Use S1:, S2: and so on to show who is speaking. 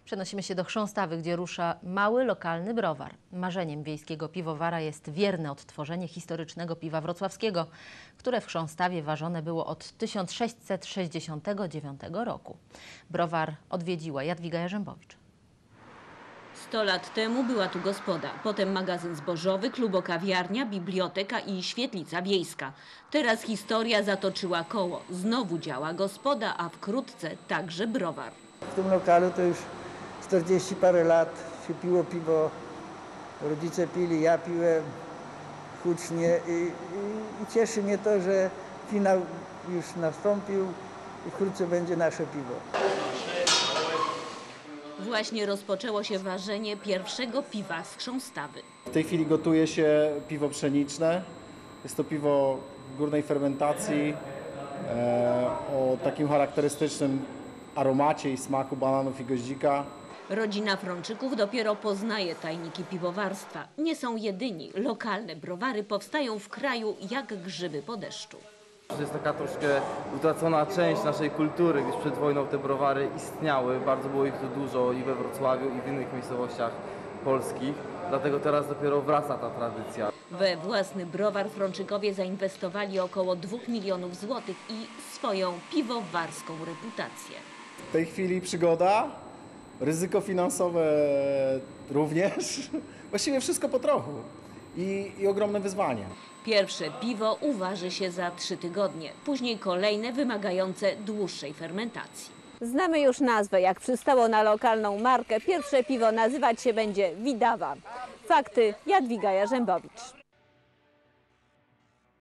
S1: Przenosimy się do Chrząstawy, gdzie rusza mały, lokalny browar. Marzeniem wiejskiego piwowara jest wierne odtworzenie historycznego piwa wrocławskiego, które w Chrząstawie ważone było od 1669 roku. Browar odwiedziła Jadwiga Jarzębowicz.
S2: 100 lat temu była tu gospoda, potem magazyn zbożowy, klubokawiarnia, biblioteka i świetlica wiejska. Teraz historia zatoczyła koło. Znowu działa gospoda, a wkrótce także browar.
S3: W tym lokalu to już 40 parę lat się piło piwo. Rodzice pili, ja piłem hucznie i cieszy mnie to, że finał już nastąpił i wkrótce będzie nasze piwo.
S2: Właśnie rozpoczęło się ważenie pierwszego piwa z Chrząstawy.
S4: W tej chwili gotuje się piwo pszeniczne. Jest to piwo górnej fermentacji o takim charakterystycznym aromacie i smaku bananów i goździka.
S2: Rodzina Frączyków dopiero poznaje tajniki piwowarstwa. Nie są jedyni. Lokalne browary powstają w kraju jak grzyby po deszczu.
S5: To jest taka troszkę utracona część naszej kultury, gdyż przed wojną te browary istniały. Bardzo było ich tu dużo i we Wrocławiu, i w innych miejscowościach polskich. Dlatego teraz dopiero wraca ta tradycja.
S2: We własny browar Frączykowie zainwestowali około 2 milionów złotych i swoją piwowarską reputację.
S4: W tej chwili przygoda, ryzyko finansowe również. Właściwie wszystko po trochu i ogromne wyzwanie.
S2: Pierwsze piwo uważy się za 3 tygodnie, później kolejne wymagające dłuższej fermentacji.
S6: Znamy już nazwę, jak przystało na lokalną markę. Pierwsze piwo nazywać się będzie Widawa. Fakty, Jadwiga Jarzębowicz.